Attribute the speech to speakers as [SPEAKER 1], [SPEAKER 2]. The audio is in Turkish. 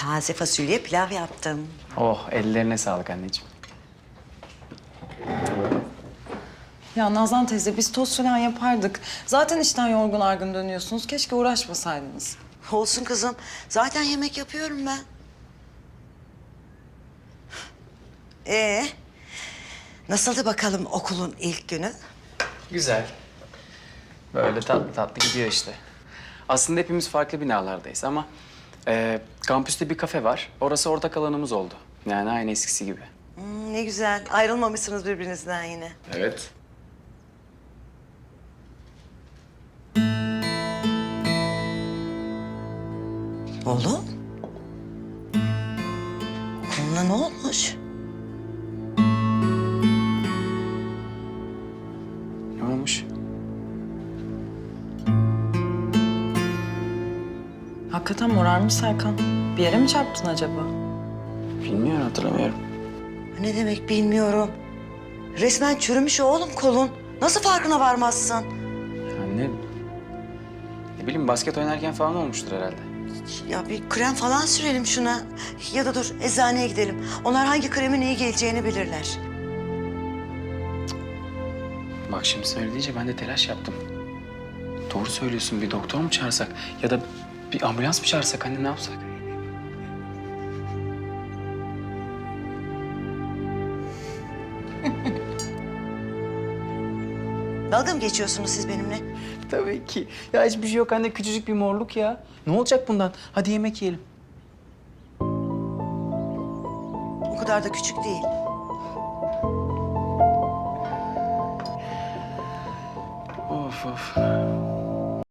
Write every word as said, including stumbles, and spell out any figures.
[SPEAKER 1] taze fasulye pilav yaptım.
[SPEAKER 2] Oh, ellerine sağlık anneciğim.
[SPEAKER 3] Ya Nazan teyze biz tost falan yapardık. Zaten işten yorgun argın dönüyorsunuz. Keşke uğraşmasaydınız.
[SPEAKER 1] Olsun kızım. Zaten yemek yapıyorum ben. Ee, nasıldı bakalım okulun ilk günü?
[SPEAKER 2] Güzel. Böyle tatlı tatlı gidiyor işte. Aslında hepimiz farklı binalardayız ama... E, kampüste bir kafe var. Orası ortak alanımız oldu. Yani aynı eskisi gibi.
[SPEAKER 1] Hmm, ne güzel. Ayrılmamışsınız birbirinizden yine.
[SPEAKER 2] Evet.
[SPEAKER 1] Oğlum. Koluna ne olmuş?
[SPEAKER 2] Ne olmuş?
[SPEAKER 3] Hakikaten morarmış Serkan. Bir yere mi çarptın acaba?
[SPEAKER 2] Bilmiyorum, hatırlamıyorum.
[SPEAKER 1] Ne demek bilmiyorum. Resmen çürümüş oğlum kolun. Nasıl farkına varmazsın?
[SPEAKER 2] Anne... Ne bileyim, basket oynarken falan olmuştur herhalde.
[SPEAKER 1] Ya bir krem falan sürelim şuna. Ya da dur eczaneye gidelim. Onlar hangi kremin iyi geleceğini bilirler.
[SPEAKER 2] Bak şimdi söyleyince ben de telaş yaptım. Doğru söylüyorsun, bir doktor mu çağırsak? Ya da bir ambulans mı çağırsak anne, ne yapsak?
[SPEAKER 1] Dalga mı geçiyorsunuz siz benimle?
[SPEAKER 2] Tabii ki. Ya hiçbir şey yok anne, küçücük bir morluk ya. Ne olacak bundan? Hadi yemek yiyelim.
[SPEAKER 1] O kadar da küçük değil.
[SPEAKER 2] Of of.